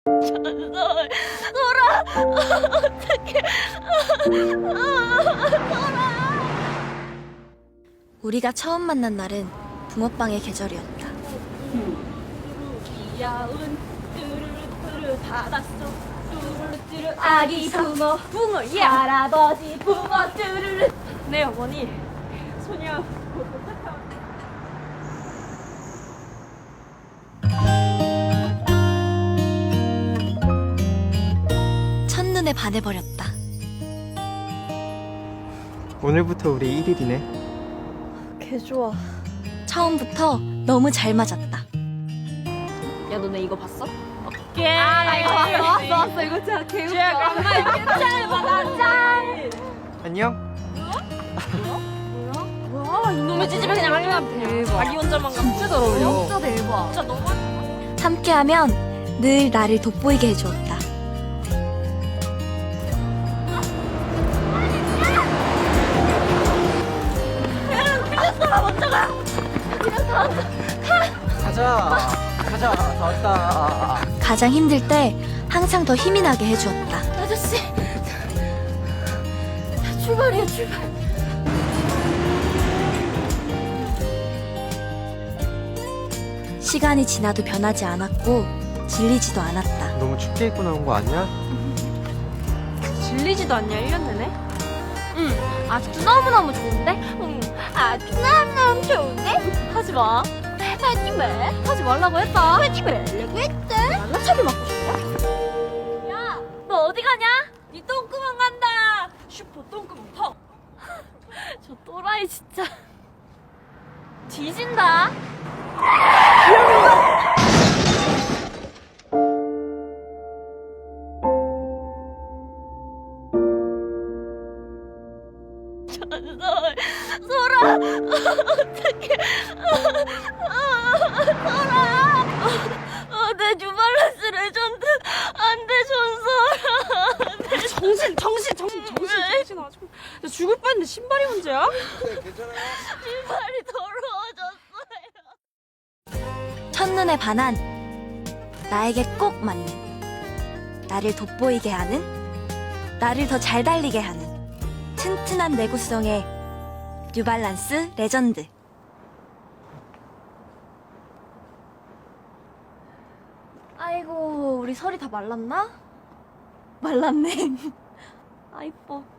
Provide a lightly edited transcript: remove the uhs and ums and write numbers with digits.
전설, 소라, 어떡해. 소라. 우리가 처음 만난 날은 붕어빵의 계절이었다. 귀여운 뚜루뚜루 바닷속 뚜루뚜루 아기 붕어 예 할아버지 붕어 뚜루루. 네 어머니, 소녀 첫눈에 반해버렸다. 오늘부터 우리 1일이네. 개 좋아. 처음부터 너무 잘 맞았다. 야 너네 이거 봤어? 오케이. 나 이거 봤어. 이거 진짜 개 웃겨. 정말 짱 맞아. 안녕. 뭐야 이놈의 찌집에 그냥 하면 돼. 자기 혼자만 진짜 잘 어울려. 진짜 대박. 진짜 너무. 함께하면 늘 나를 돋보이게 해주었다. 가자. 다 왔다. 가장 힘들 때 항상 더 힘이 나게 해주었다. 아저씨. 출발이야 출발. 시간이 지나도 변하지 않았고 질리지도 않았다. 너무 춥게 입고 나온 거 아니야? 질리지도 않냐 1년 내내? 응. 아직도 너무너무 좋은데? 응. 아직도 너무너무 좋은데? 하지마. 하지마. 하지 말라고 했다. 하지 말라고 했다. 만나차기 맞고 싶어? 야, 너 어디 가냐? 니 똥구멍 간다. 슈퍼 똥구멍 펑. 저 또라이 진짜. 뒤진다. 전설, 소라, 어떡해. 소라. 내 뉴발란스 레전드. 안 돼, 전설. 정신 아주. 나 죽을 뻔했는데 신발이 문제야? 신발이 더러워졌어요. 첫눈에 반한, 나에게 꼭 맞는, 나를 돋보이게 하는, 나를 더 잘 달리게 하는 튼튼한 내구성의 뉴발란스 레전드. 아이고 우리 설이 다 말랐나? 말랐네. 아 이뻐.